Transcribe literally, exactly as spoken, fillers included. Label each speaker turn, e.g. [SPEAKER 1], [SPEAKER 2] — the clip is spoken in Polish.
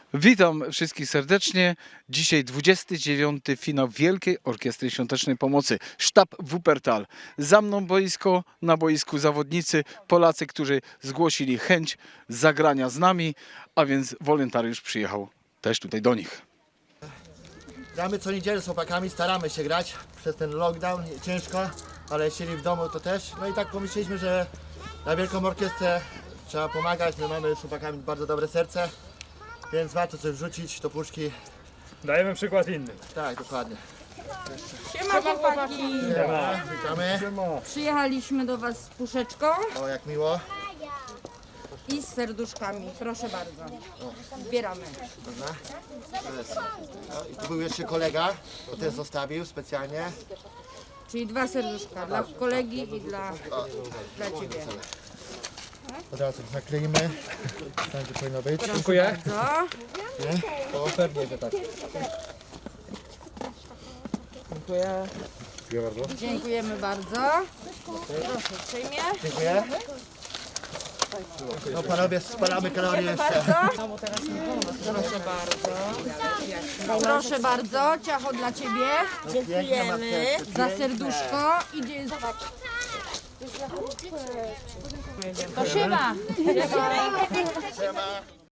[SPEAKER 1] Witam wszystkich serdecznie. Dzisiaj dwudziesty dziewiąty finał Wielkiej Orkiestry Świątecznej Pomocy. Sztab Wuppertal. Za mną boisko, na boisku zawodnicy, Polacy, którzy zgłosili chęć zagrania z nami, a więc wolontariusz przyjechał też tutaj do nich.
[SPEAKER 2] Gramy co niedzielę z chłopakami, staramy się grać przez ten lockdown, ciężko, ale siedzieli w domu to też. No i tak pomyśleliśmy, że na Wielką Orkiestrę trzeba pomagać, my mamy z chłopakami bardzo dobre serce, więc warto coś wrzucić do puszki.
[SPEAKER 3] Dajemy przykład innym.
[SPEAKER 2] Tak, dokładnie.
[SPEAKER 4] Siema chłopaki!
[SPEAKER 2] Siema, witamy.
[SPEAKER 4] Przyjechaliśmy do Was z puszeczką
[SPEAKER 2] O, jak miło.
[SPEAKER 4] i z serduszkami. Proszę bardzo. Zbieramy.
[SPEAKER 2] Dobra. To jest. No, i tu był jeszcze kolega, to też zostawił specjalnie.
[SPEAKER 4] Czyli dwa serduszka dla kolegi i dla, dla Ciebie.
[SPEAKER 2] Od razu nakleimy, tam gdzie powinno być.
[SPEAKER 3] Dziękuję.
[SPEAKER 4] Co?
[SPEAKER 3] Pewnie, że tak.
[SPEAKER 4] Dziękujemy bardzo. Proszę uprzejmie.
[SPEAKER 2] Dziękuję. No panowie, spalamy kalorie jeszcze.
[SPEAKER 4] Proszę bardzo. Proszę bardzo. Ciacho dla Ciebie.
[SPEAKER 2] Dziękujemy.
[SPEAKER 4] Za serduszko. Idzie. To siema.
[SPEAKER 2] Siema.